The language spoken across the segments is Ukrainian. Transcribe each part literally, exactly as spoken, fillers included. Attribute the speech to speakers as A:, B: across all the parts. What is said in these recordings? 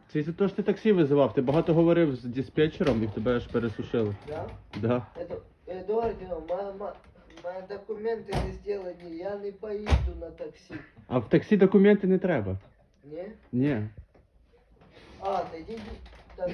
A: Це із-за того, що ти таксі визивав, ти багато говорив з диспетчером і в тебе аж пересушило.
B: Да?
A: Да.
B: Это, Эдуардино, мама, мои документы не сделаны, я не поеду на такси.
A: А в таксі документи не треба.
B: Не?
A: Ні.
B: А, да иди, так,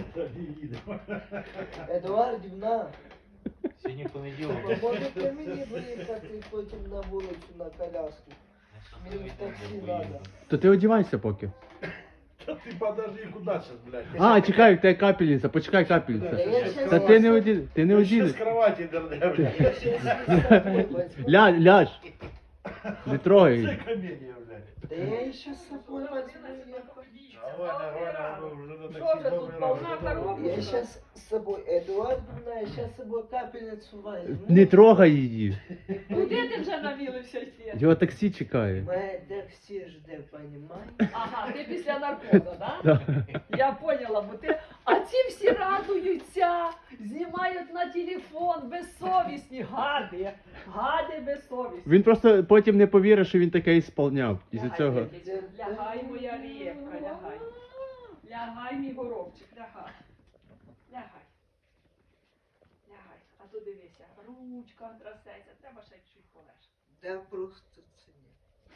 B: Эдуардівна,
C: Сьогодні понеділок.
B: можете мені приїхати потім на вулицю на коляску? Мені в таксі надо.
A: То ти одівайся поки.
D: Да ты подожди, куда сейчас, блядь?
A: А, чекай, в тебе капельниця, почекай
B: Да
A: капельниця.
B: я щас
A: Та ти не
B: вас-
A: один, ти не
D: Ты сейчас
A: один.
D: с кровати дернешь.
B: Я щас з собою возьму.
A: Ля, ляж. Не трогай.
D: Це комедия, блядь.
B: Да я еще с собой возьму.
D: Давай, давай, давай, уже на
E: Що
D: такси
E: вже тут
D: добрий
E: повна
D: ранок.
E: коробка?
B: Я сейчас с собой, Эдуардовна, я сейчас с собой капельницу возьму.
A: Не трогай її.
E: Куди ти вже навілився світ?
A: Його таксі чекає.
B: Моя такси жде, понимаешь?
E: Ага, ти після наркозу, да?
A: Да.
E: Я поняла, бо ти. А ці всі радуються, знімають на телефон, безсовісні, гади, гади безсовісні.
A: Він просто потім не повірить, що він таке ісполняв. Із-за
E: Лягай,
A: цього.
E: Лялечка, лягай, моя рєпка, лягай. Лягай, мій горобчик, лягай. Лягай. Лягай. А то дивися, ручка трасеться, треба ще чуть полежати.
B: Да просто це ні.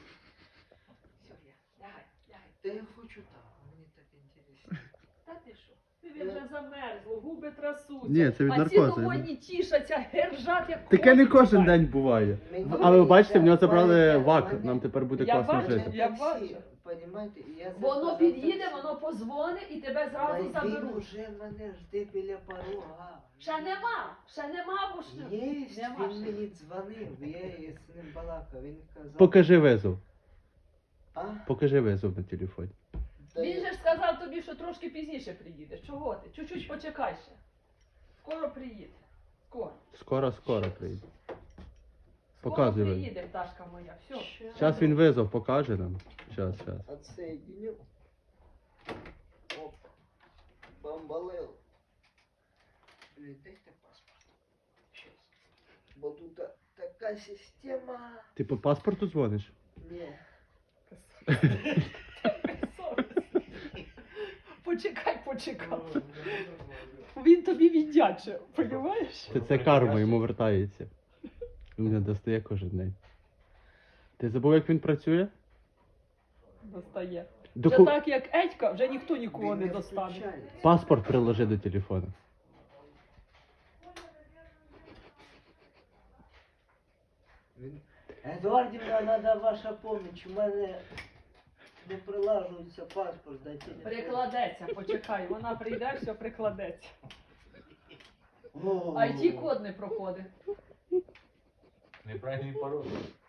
E: Все, є. Лягай, лягай.
B: Да я хочу там, мені так інтересно.
E: Та ти що? Тобі вже замерзло, губи трасуться.
A: Ні, це від
E: а
A: наркозу,
E: ці доводні тішаться, гержать, як
A: Таке не
E: коні
A: кожен
E: бувають.
A: день буває.
B: Мені
A: Але ви бачите, в нього
B: нельзя,
A: забрали
B: мене-
A: вак,
B: мене-
A: нам тепер буде
E: Я
A: класно
E: бачу,
A: жити.
E: я
B: таксі,
E: бачу.
B: Понімаєте, і я
E: Воно
B: заказав
E: під'їде,
B: таксі.
E: воно позвонить і тебе зразу
B: Та Він
E: заберуть.
B: уже мене жде біля порога.
E: Ще нема, ще нема, бо ж
B: Єсть,
E: Нема
B: він
E: ще.
B: мені дзвонив, я з ним балакав, він казав.
A: Покажи визов.
B: А?
A: Покажи визов на телефоні.
B: Та
E: Він
B: я-
E: же ж сказав тобі, що трошки пізніше приїдеш. Чого ти? Чуть-чуть почекай ще. Скоро приїде. Скоро.
A: Скоро, скоро прийде.
E: Скоро
A: Показуй визов.
E: приїде, пташка моя. Все.
A: Зараз він визов покаже нам. Зараз, зараз.
B: Отсоединю. Оп. Бомбалел. Блин, дайте паспорт. Сейчас. Бо тут та- така система.
A: Ти по паспорту дзвониш?
B: Не.
E: Почекай, почекай. Він тобі віддяче, розумієш?
A: Це, це карма, йому вертається. Він мене достає кожен день. Ти забув, як він працює?
E: Достає. Вже
A: Доку...
E: так, як Едька, вже ніхто нікого
B: Він
E: не достане.
B: включає.
A: Паспорт приложи до телефону.
B: Він- Едуардівна, треба ваша поміч. У мене не прилажується паспорт до телефону.
E: Прикладеться, почекай, вона прийде, все прикладеться.
B: О.
E: ай ті-код не проходить.
C: Неправильний пароль.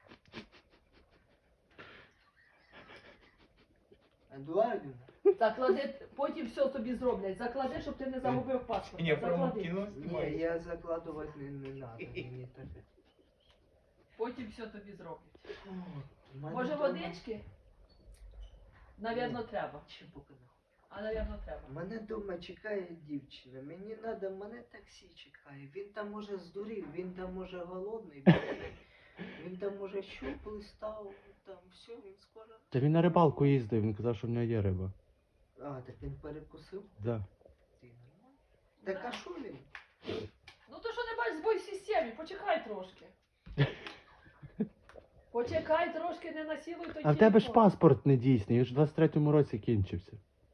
B: Едуардівна.
E: Заклади, потім все тобі зроблять. Заклади, щоб ти не загубив паспорт.
C: Ні, прямо
E: Заклади.
C: кіно
B: Ні,
C: знімаєш.
B: я закладувати не, не надо. Мені таке.
E: Потім все тобі зроблять.
B: О, в мене
E: Може
B: дома-
E: водички? Навірно, треба.
B: Чи поки не.
E: А навірно, треба.
B: Мене вдома чекає дівчина. Мені треба, мене таксі чекає. Він там може здурів, він там може голодний, він, він там може щуп став, там все, він скоро.
A: Та він на рибалку їздив, він казав, що в нього є риба.
B: А, так він перекусив?
A: Да.
B: Ти нормально? Так а що він?
E: Ну то що не бачиш збой в системі, почекай трошки. Почекай трошки, не насілуй той
A: А в тебе ж
E: телефон.
A: паспорт не дійсний, він ж в двадцять третьому році кінчився.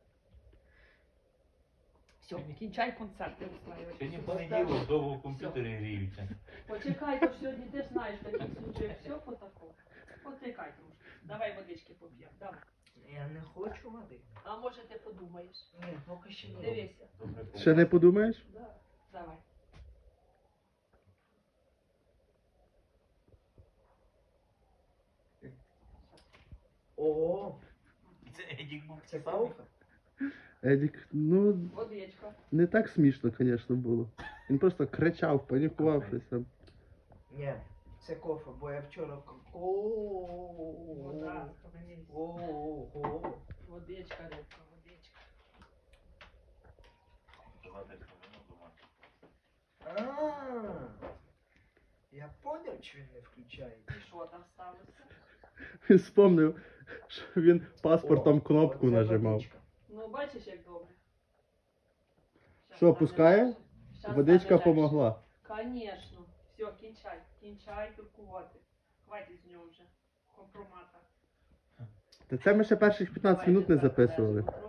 E: Все, кінчай концерти устраювати.
C: Сьогодні понеділок, довго в комп'ютері гріються.
E: Почекай, то ж сьогодні ти ж знаєш, в таких случаях все по такому. Почекай трошки. Давай водички поп'ємо, давай.
B: Я не хочу води.
E: А може ти подумаєш?
B: Ні, поки ще ні.
E: Дивися.
C: Добре,
A: Ще не подумаєш?
E: Да. Давай.
B: Ого,
C: Це Едік був.
B: це паука?
A: Едік, ну
E: Водичка.
A: не так смішно, звісно, було. Він просто кричав, панікував щось там.
B: Ні, це кофе, бо я вчора ко-
E: Вода,
B: О,
E: схаменись.
B: Ого.
E: Водичка, рибка, водичка.
B: А, я понял, що він не включає.
E: І що там сталося?
A: Він спомнив, що він паспортом
B: О,
A: кнопку
B: оце
A: нажимав.
B: водичка.
E: Ну, бачиш, як добре? Щас
A: Що,
E: стане
A: пускає?
E: легше. Щас
A: Водичка
E: стане легше.
A: помогла.
E: Конечно. Все, кінчай, кінчай туркувати. Хватить з нього вже. Компромата.
A: Та це ми ще перших п'ятнадцять минут не записували.
E: Давай,